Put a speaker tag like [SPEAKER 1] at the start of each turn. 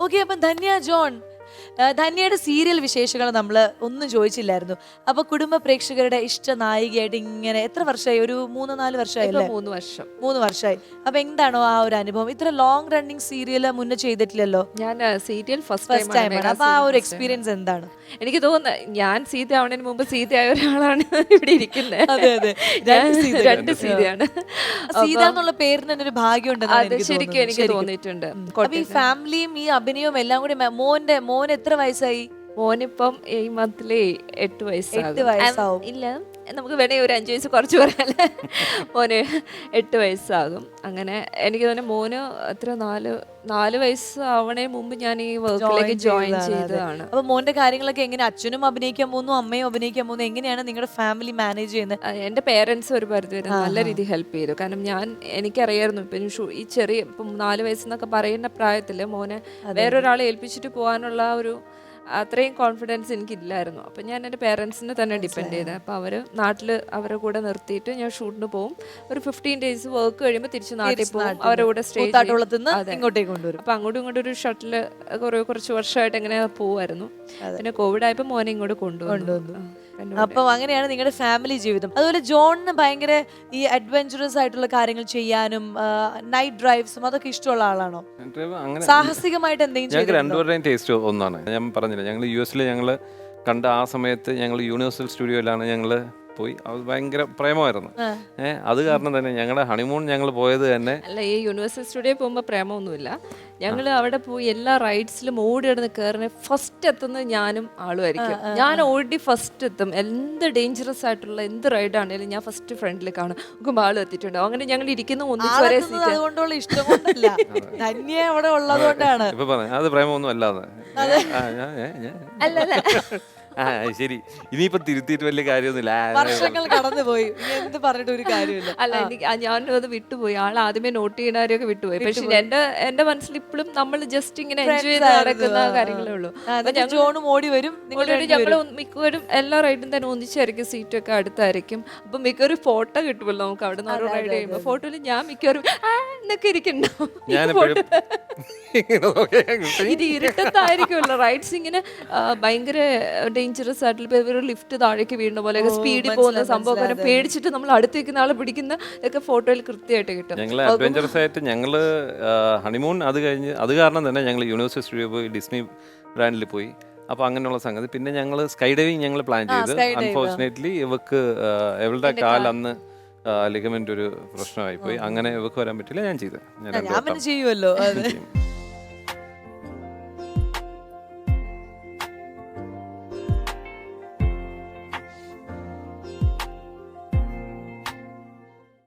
[SPEAKER 1] Okay, അപ്പം Dhanya John, ധന്യയുടെ serial വിശേഷങ്ങൾ നമ്മൾ ഒന്നും ചോദിച്ചില്ലായിരുന്നു. അപ്പൊ കുടുംബ പ്രേക്ഷകരുടെ ഇഷ്ട നായികയായിട്ട് ഇങ്ങനെ എത്ര വർഷമായി? ഒരു 3-4 വർഷമായില്ലേ?
[SPEAKER 2] 3 വർഷം.
[SPEAKER 1] 3 വർഷമായി. അപ്പൊ എന്താണോ ആ ഒരു അനുഭവം? ഇത്ര ലോങ് റണ്ണിങ് സീരിയൽ മുന്നേ ചെയ്തിട്ടില്ലല്ലോ.
[SPEAKER 2] ഞാൻ സീരിയൽ
[SPEAKER 1] ഫസ്റ്റ് ടൈമാണ്. അപ്പൊ ആ ഒരു എക്സ്പീരിയൻസ് എന്താണ്?
[SPEAKER 2] എനിക്ക് തോന്നുന്നത് ഞാൻ സീത ആവുന്നതിന് മുമ്പ് സീതയായ ഒരാളാണ് ഇവിടെ ഇരിക്കുന്നത്.
[SPEAKER 1] അതെ അതെ,
[SPEAKER 2] രണ്ട് സീതയാണ്.
[SPEAKER 1] സീത എന്നുള്ള പേരിന് തന്നെ ഒരു ഭാഗ്യം
[SPEAKER 2] അത് ശരിക്കും എനിക്ക് തോന്നിയിട്ടുണ്ട്.
[SPEAKER 1] ഈ ഫാമിലിയും ഈ അഭിനയവും എല്ലാം കൂടി മോൻ എത്ര വയസ്സായി?
[SPEAKER 2] മോനിപ്പം ഈ മന്തില് 8
[SPEAKER 1] 8 വയസ്സാവും.
[SPEAKER 2] ഇല്ല, നമുക്ക് വേണമെങ്കിൽ ഒരു 5 വയസ്സ് കുറച്ച് പറയാല്ലേ. മോന് 8 വയസ്സാകും. അങ്ങനെ എനിക്ക് തോന്നുന്നു മോന് എത്ര 4 വയസ്സ് ആവണേ മുമ്പ് ഞാൻ ഈ വർക്കിലേക്ക് ജോയിൻ ചെയ്തതാണ്.
[SPEAKER 1] അപ്പൊ മോന്റെ കാര്യങ്ങളൊക്കെ എങ്ങനെ? അച്ഛനും അഭിനയിക്കാൻ പോകുന്നു, അമ്മയും അഭിനയിക്കാൻ പോകുന്നു, എങ്ങനെയാണ് നിങ്ങളുടെ ഫാമിലി മാനേജ് ചെയ്യുന്നത്?
[SPEAKER 2] എൻ്റെ പേരൻസ് ഒരു പരിധി വരെ നല്ല രീതിയിൽ ഹെൽപ്പ് ചെയ്തു. കാരണം എനിക്കറിയായിരുന്നു ഇപ്പം ഈ ചെറിയ ഇപ്പം 4 വയസ്സെന്നൊക്കെ പറയുന്ന പ്രായത്തിൽ മോനെ വേറൊരാളെ ഏൽപ്പിച്ചിട്ട് പോകാനുള്ള ഒരു അത്രയും കോൺഫിഡൻസ് എനിക്കില്ലായിരുന്നു. അപ്പം ഞാൻ എൻ്റെ പേരൻസിനെ തന്നെ ഡിപ്പെൻഡ് ചെയ്തത്. അപ്പോൾ അവർ നാട്ടിൽ അവരുടെ കൂടെ നിർത്തിയിട്ട് ഞാൻ ഷൂട്ടിന് പോകും. ഒരു 15 ഡേയ്സ് വർക്ക് കഴിയുമ്പോൾ തിരിച്ച് നാട്ടിൽ പോകും. അവരുടെ കൂടെ സ്റ്റേ
[SPEAKER 1] ഇങ്ങോട്ടേക്ക് കൊണ്ടുവരും.
[SPEAKER 2] അപ്പം അങ്ങോട്ടും ഇങ്ങോട്ടും ഒരു ഷട്ടിൽ കുറച്ച് വർഷമായിട്ട് എങ്ങനെ പോകുമായിരുന്നു. പിന്നെ കോവിഡ് ആയപ്പോൾ മോനെ ഇങ്ങോട്ട് കൊണ്ടുവന്നു.
[SPEAKER 1] അപ്പൊ അങ്ങനെയാണ് നിങ്ങളുടെ ഫാമിലി ജീവിതം. അതുപോലെ ജോണിന് ഭയങ്കര ഈ അഡ്വഞ്ചറസ് ആയിട്ടുള്ള കാര്യങ്ങൾ ചെയ്യാനും നൈറ്റ് ഡ്രൈവ്സും അതൊക്കെ ഇഷ്ടമുള്ള ആളാണോ? സാഹസികമായിട്ട് എന്തെങ്കിലും?
[SPEAKER 3] ഞങ്ങൾക്ക് രണ്ടുപേരുടെയും ടേസ്റ്റ് ഒന്നാണ്. ഞാൻ പറഞ്ഞില്ല, ഞങ്ങൾ US ഞങ്ങൾ കണ്ട ആ സമയത്ത് ഞങ്ങൾ യൂണിവേഴ്സൽ സ്റ്റുഡിയോയിലാണ് ഞങ്ങൾ പോയി. അത് ഭയങ്കര പ്രേമമായിരുന്നു. അത് കാരണം തന്നെ ഞങ്ങളുടെ ഹണിമൂൺ ഞങ്ങൾ പോയത് തന്നെ
[SPEAKER 2] അല്ല, ഈ യൂണിവേഴ്സൽ സ്റ്റുഡിയോ പോകുമ്പോൾ പ്രേമമൊന്നുമില്ല. ഞങ്ങൾ അവിടെ പോയി എല്ലാ റൈഡ്സിലും ഓടി കിടന്ന് കയറുന്ന ഫസ്റ്റ് എത്തുന്നത് ഞാനും ആളുമായിരിക്കും. ഞാൻ ഓടി ഫസ്റ്റ് എത്തും. എന്ത് ഡേഞ്ചറസ് ആയിട്ടുള്ള എന്ത് റൈഡാണെങ്കിലും ഞാൻ ഫസ്റ്റ് ഫ്രണ്ടിൽ കാണും. നോക്കുമ്പോൾ ആളും എത്തിയിട്ടുണ്ടാവും. അങ്ങനെ ഞങ്ങൾ ഇരിക്കുന്ന ഒന്നിച്ച് ഒരേ സീറ്റ്.
[SPEAKER 1] അതുകൊണ്ടുള്ള ഇഷ്ടം കൊണ്ടല്ല, ധന്യ അവിടെ ഉള്ളതുകൊണ്ടാണ്.
[SPEAKER 3] ഇപ്പൊ പറഞ്ഞു അത് പ്രേമൊന്നും അല്ലാതെ.
[SPEAKER 2] അല്ല
[SPEAKER 3] ശരി, ഇനിയിപ്പോ തിരുത്തിയിട്ട് വലിയ കാര്യമൊന്നുമില്ല.
[SPEAKER 1] വർഷങ്ങൾ കടന്നുപോയി, എന്ത് പറഞ്ഞിട്ട് ഒരു കാര്യമില്ല.
[SPEAKER 2] അല്ല, ഞാനത് വിട്ടുപോയി. ആൾ ആദ്യമേ നോട്ട് ചെയ്യണവരെയൊക്കെ വിട്ടുപോയി. പക്ഷെ എന്റെ മനസ്സിൽ ഇപ്പോഴും നമ്മൾ ജസ്റ്റ് ഇങ്ങനെ എൻജോയ് ചെയ്ത് നടക്കുന്ന കാര്യങ്ങളേ ഉള്ളൂ.
[SPEAKER 1] ജോണും ഓടി വരും.
[SPEAKER 2] ഞങ്ങൾ മിക്കവരും എല്ലാ റൈഡും തന്നെ ഒന്നിച്ചായിരിക്കും, സീറ്റൊക്കെ അടുത്തായിരിക്കും. അപ്പൊ മിക്കവരും ഫോട്ടോ കിട്ടുമല്ലോ നമുക്ക് അവിടെ നിന്ന് ഓരോ റൈഡ് ചെയ്യുമ്പോൾ. ഫോട്ടോയിൽ ഞാൻ മിക്കവരും എന്നൊക്കെ ഇരിക്കണ്ടാവും. ഇത് ഇരുട്ടത്തായിരിക്കുമല്ലോ റൈഡ്സ്. ഇങ്ങനെ ഭയങ്കര ഡേഞ്ചറസ് ആയിട്ടുള്ള ലിഫ്റ്റ് താഴേക്ക് വീഴുന്ന പോലെ സ്പീഡിൽ പോകുന്ന സംഭവം പേടിച്ചിട്ട് നമ്മൾ അടുത്തേക്കുന്ന ആളെ പിടിക്കുന്ന ഒക്കെ ഫോട്ടോയിൽ കൃത്യമായിട്ട് കിട്ടും.
[SPEAKER 3] ഞങ്ങൾ അഡ്വഞ്ചറസ് ആയിട്ട് ഞങ്ങൾ ഹണിമൂൺ അത് കഴിഞ്ഞ് അത് കാരണം തന്നെ ഞങ്ങൾ യൂണിവേഴ്സൽ സ്റ്റുഡിയോ പോയി, ഡിസ്നി ബ്രാൻഡിൽ പോയി. അപ്പോൾ അങ്ങനെയുള്ള സംഗതി. പിന്നെ ഞങ്ങൾ സ്കൈ ഡൈവിങ് ഞങ്ങൾ പ്ലാൻ ചെയ്ത്. അൺഫോർച്ചുനേറ്റ്ലി ഇവളുടെ കാൽ അന്ന് ലിഗമെന്റ് ഒരു പ്രശ്നമായി പോയി. അങ്ങനെ ഇവക്ക് വരാൻ പറ്റില്ല. ഞാൻ ചെയ്തത്.
[SPEAKER 1] ഞാൻ ചെയ്യുമല്ലോ.